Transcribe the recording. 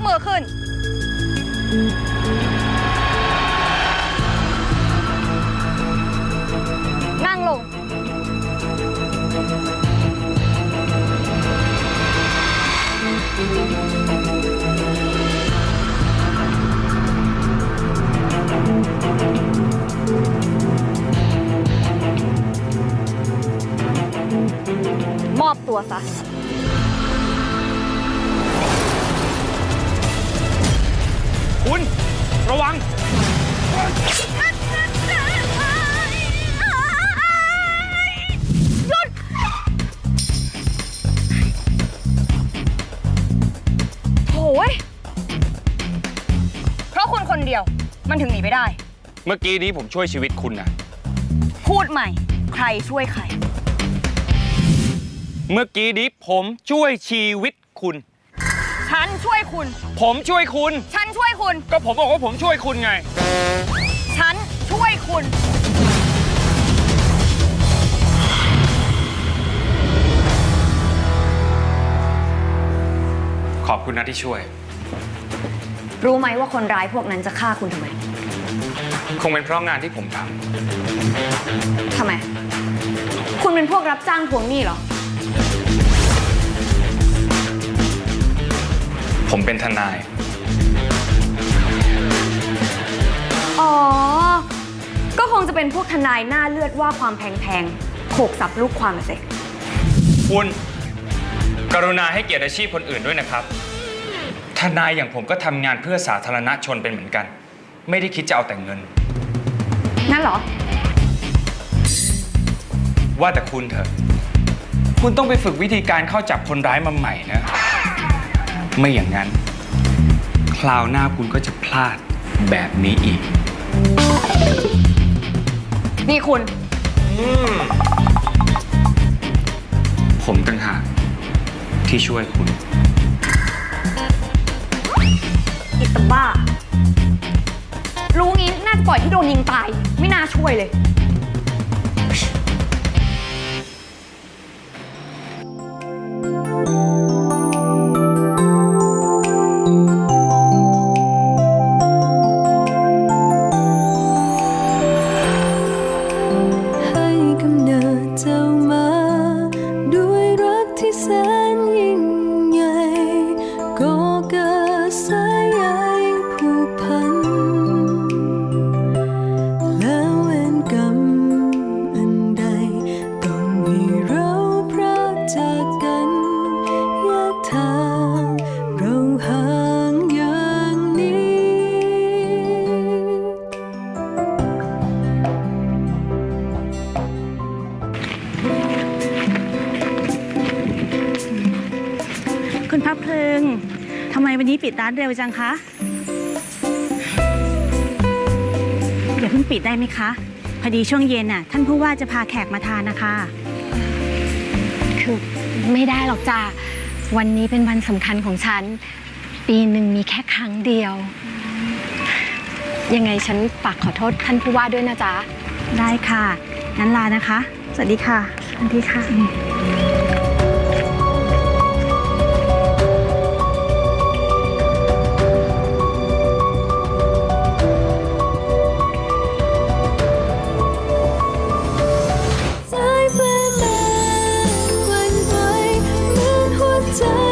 มือขึ้นนั่งลงมอบตัวซะคุณระวังหยุดโถ่เพราะคุณคนเดียวมันถึงหนีไปได้เมื่อกี้นี้ผมช่วยชีวิตคุณนะพูดใหม่ใครช่วยใครเมื่อกี้นี้ผมช่วยชีวิตคุณฉันช่วยคุณผมช่วยคุณฉันช่วยคุณก็ผมบอกว่าผมช่วยคุณไงฉันช่วยคุณขอบคุณนะที่ช่วยรู้ไหมว่าคนร้ายพวกนั้นจะฆ่าคุณทำไมคงเป็นเพราะงานที่ผมทำไมคุณเป็นพวกรับจ้างทวงหนี้เหรอผมเป็นทนายอ๋อก็คงจะเป็นพวกทนายหน้าเลือดว่าความแพงๆโขกสับลูกความมาสิคุณกรุณาให้เกียรติอาชีพคนอื่นด้วยนะครับทนายอย่างผมก็ทำงานเพื่อสาธารณชนเป็นเหมือนกันไม่ได้คิดจะเอาแต่เงินนั่นเหรอว่าแต่คุณเถอะคุณต้องไปฝึกวิธีการเข้าจับคนร้ายมาใหม่นะไม่อย่างนั้นคราวหน้าคุณก็จะพลาดแบบนี้อีกนี่คุณผมต่างหากที่ช่วยคุณอิตาบ้ารู้งี้น่าจะปล่อยที่โดนยิงตายไม่น่าช่วยเลยคุณพระเพลิงทำไมวันนี้ปิดร้านเร็วจังคะอย่าเพิ่งปิดได้ไหมคะพอดีช่วงเย็นน่ะท่านผู้ว่าจะพาแขกมาทานนะคะคือไม่ได้หรอกจ้าวันนี้เป็นวันสำคัญของฉันปีหนึ่งมีแค่ครั้งเดียวยังไงฉันฝากขอโทษท่านผู้ว่าด้วยนะจ๊ะได้ค่ะงั้นลานะคะสวัสดีค่ะสวัสดีค่ะใจ